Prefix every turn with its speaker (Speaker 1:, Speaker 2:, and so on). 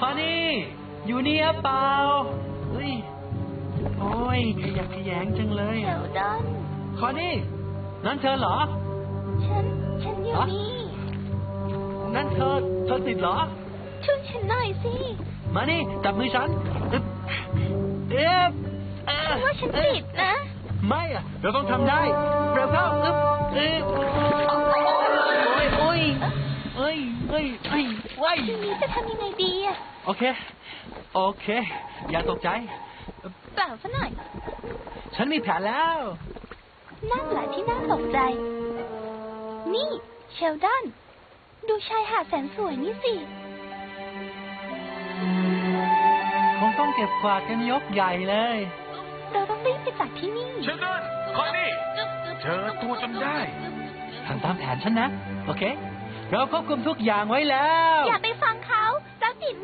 Speaker 1: อนี่อยู่นี่หรือเปล่าเฮ้ยโอ้ยขยักขยงจังเลย
Speaker 2: เดี๋ยวดอน
Speaker 1: คอนี่นั่นเธอเหรอ
Speaker 2: ฉันอยู่นี่
Speaker 1: นั่นเธอติดเหรอ
Speaker 2: ช่วยฉันหน่อยสิ
Speaker 1: มานี่จับมือฉัน
Speaker 2: ว่าฉันติดนะ
Speaker 1: ไม่อะเราต้องทำได้เร็วเข้าโอ้ย
Speaker 2: ทีนี้จะทำยังไงดีอะ
Speaker 1: โอเคอย่าตกใจ
Speaker 2: เปล่าซะหน่อย
Speaker 1: ฉันมีแผนแล้ว
Speaker 2: นั่นแหละที่น่าตกใจนี่เชลดอนดูชายหาดแสนสวยนี่สิ
Speaker 1: คงต้องเก็บกวาดกันยกใหญ่เลย
Speaker 2: เราต้องรีบไปจากที่นี่
Speaker 3: เชลดอนคอยนี่เจอตัวจนได้
Speaker 1: ทำตามแผนฉันนะโอเคเราควบคุมทุกอย่างไว้แล้ว
Speaker 2: อย่าไป